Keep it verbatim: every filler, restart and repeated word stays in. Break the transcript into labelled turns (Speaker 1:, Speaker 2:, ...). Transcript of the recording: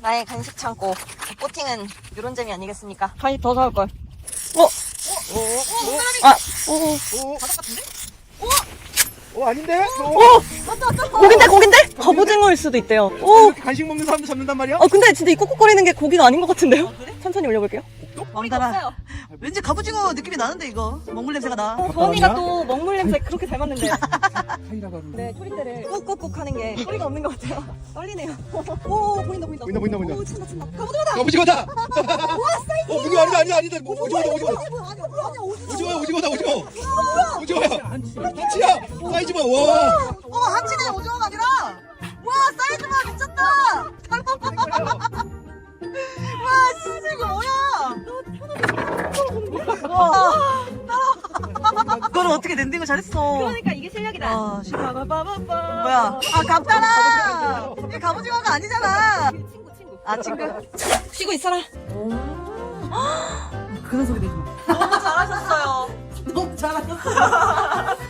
Speaker 1: 나의 간식 창고. 보팅은 이런 재미 아니겠습니까?
Speaker 2: 간식 더 사올걸. 어?
Speaker 1: 오, 오, 사람이.
Speaker 2: 아, 오,
Speaker 3: 오,
Speaker 1: 바닥 같은데?
Speaker 3: 어 아닌데? 어,
Speaker 2: 오! 고긴데, 고긴데? 갑오징어일 수도 있대요. 오!
Speaker 3: 이렇게 간식 먹는 사람도 잡는단 말이야?
Speaker 2: 어, 근데 진짜 이 꾹꾹거리는 게 고기가 아닌 것 같은데요? 천천히 올려볼게요.
Speaker 1: 왕따라.
Speaker 4: 왠지 갑오징어 느낌이 나는데 이거 먹물 냄새가 나.
Speaker 2: 어, 저언니가 또 먹물 냄새 그렇게 잘 맡는데.
Speaker 3: 사이라고 하는.
Speaker 2: 네, 초리대를 꾹꾹꾹 하는 게 소리가 없는 것 같아요. 떨리네요. 오, 보인다, 보인다.
Speaker 3: 보인다, 보인다, 보인다.
Speaker 2: 오, 친다, 친다. 갑오징어다!
Speaker 3: 오징어다. 어 무기 아니다 아니다 아니다. 오징어다 오징어.
Speaker 2: 아니야, 아니야, 오징어.
Speaker 3: 오징어야 오징어다 오징어. 오징어야. 한치야. 사이즈 봐. 와.
Speaker 4: 어 한치네 오징어가 아니라. 와 사이즈 봐 미쳤다. 와 진짜 이거 뭐야? 와. 그걸 어떻게 랜딩을 잘했어.
Speaker 2: 그러니까 이게 실력이다.
Speaker 4: 아 진짜.
Speaker 2: 빠바바바바.
Speaker 4: 뭐야? 아 갑잖아. 이게 갑오징어가 아니잖아.
Speaker 2: 친구, 친구.
Speaker 4: 아 친구.
Speaker 2: 쉬고 있어라.
Speaker 4: 그런 소리 내지 마.
Speaker 1: 너무 잘하셨어요.
Speaker 4: 너무 잘하셨어.